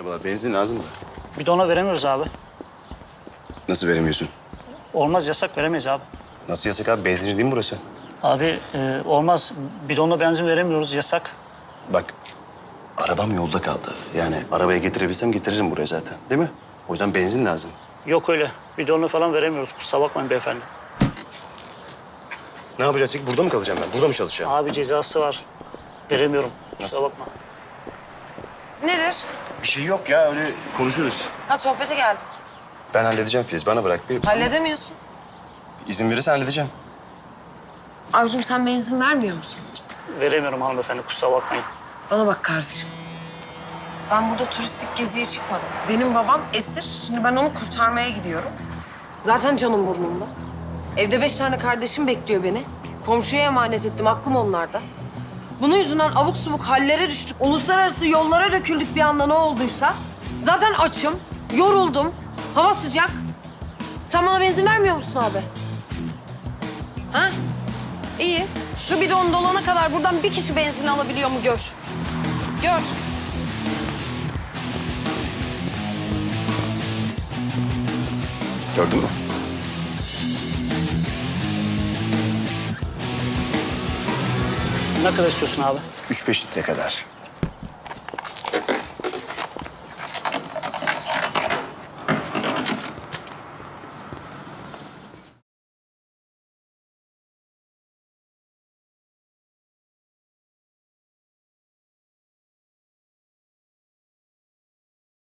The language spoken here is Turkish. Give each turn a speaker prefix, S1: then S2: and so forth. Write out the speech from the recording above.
S1: Merhabalar, benzin lazım mı?
S2: Bidona veremiyoruz abi.
S1: Nasıl veremiyorsun?
S2: Olmaz, yasak, veremeyiz abi.
S1: Nasıl yasak abi? Benzinci değil mi burası?
S2: Abi olmaz. Bidonla benzin veremiyoruz, yasak.
S1: Bak, arabam yolda kaldı. Yani arabaya getirebilsem getiririm buraya zaten. Değil mi? O yüzden benzin lazım.
S2: Yok öyle. Bidonla falan veremiyoruz. Kusura bakmayın beyefendi.
S1: Ne yapacağız peki? Burada mı kalacağım ben? Burada mı çalışacağım?
S2: Abi cezası var. Veremiyorum. Kusura
S1: Nasıl?
S2: bakma.
S3: Nedir?
S1: Bir şey yok ya, öyle konuşuruz.
S3: Ha sohbete geldik.
S1: Ben halledeceğim Filiz, bana bırak bir.
S3: Halledemiyorsun.
S1: İzin verirsen halledeceğim.
S3: Avcum sen benzin vermiyor musun?
S2: Veremiyorum hanımefendi. Kusura bakmayın.
S3: Bana bak kardeşim. Ben burada turistik geziye çıkmadım. Benim babam esir. Şimdi ben onu kurtarmaya gidiyorum. Zaten canım burnumda. Evde 5 tane kardeşim bekliyor beni. Komşuya emanet ettim. Aklım onlarda. Bunun yüzünden abuk subuk hallere düştük. Uluslararası yollara döküldük bir anda ne olduysa. Zaten açım, yoruldum. Hava sıcak. Sen bana benzin vermiyor musun abi? Ha? İyi. Şu bidon dolana kadar buradan bir kişi benzin alabiliyor mu gör. Gör.
S1: Gördün mü?
S2: Ne kadar istiyorsun abi?
S1: 3-5 litre kadar.